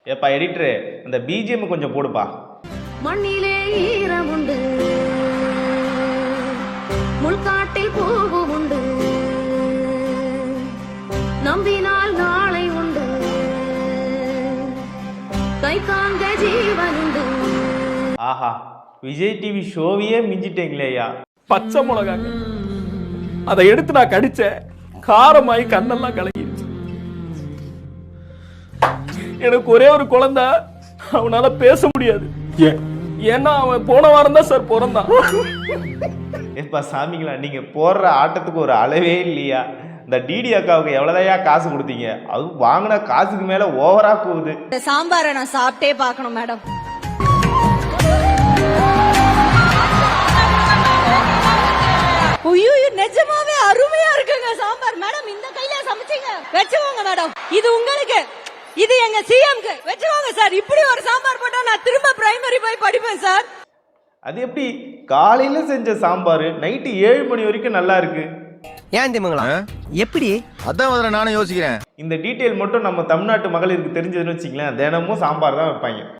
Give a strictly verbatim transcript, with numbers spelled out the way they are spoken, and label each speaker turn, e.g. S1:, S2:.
S1: ஏப்பா எடிட்டரு, அந்த பிஜிஎம் கொஞ்சம் போடுப்பா.
S2: மண்ணிலே ஈரம் உண்டு, முள்காட்டில் பூவு உண்டு, நம்பினால் நாளை உண்டு, கை காண்க ஜீவன் உண்டு.
S1: ஆஹா, விஜய் டிவி ஷோவையே மிஞ்சிட்டீங்களேயா.
S3: பச்சை மிளகாங்க, அதை எடுத்து நான் கடிச்சேன், காரமாயி கண்ணெல்லாம் கலங்கிருச்சு. எனக்கு ஒரே ஒரு குழந்தை, அவனால பேச முடியாது. ஏன்னா அவன் போன வாரம் தான் சார் பிறந்தான்.
S1: ஏப்பா சாமிங்களா, நீங்க போடுற ஆட்டத்துக்கு ஒரு அளவே இல்லையா? இந்த டிடி அக்காவுக்கு எவ்வளவுதையா காசு கொடுத்தீங்க? அது வாங்கின காசுக்கு மேல ஓவரா போகுது.
S2: சாம்பாரை நான் சாப்பிட்டே பார்க்கணும் மேடம். ஐயோ, நிஜமாவே அருமையா இருக்குங்க சாம்பார். மேடம், இந்த கையில சமைச்சீங்க, வெச்சுவோங்க மேடம். இது உங்களுக்கு, இது எங்க சிஎம்க்கு வெச்சுவோங்க சார். இப்படி ஒரு சாம்பார் போட்டா நான் திரும்ப பிரைமரி போய் படிப்பேன் சார்.
S1: அது எப்படி காலையில செஞ்ச சாம்பார் நைட்டு ஏழு மணி வரைக்கும் நல்லா இருக்கு?
S4: ஏன் திமுங்களா எப்படி?
S5: அதான் முதல்ல நானும் யோசிக்கிறேன்.
S1: இந்த டீட்டெயில் மட்டும் நம்ம தமிழ்நாட்டு மகளிருக்கு தெரிஞ்சதுன்னு வச்சுங்களேன், தினமும் சாம்பார் தான் வைப்பாங்க.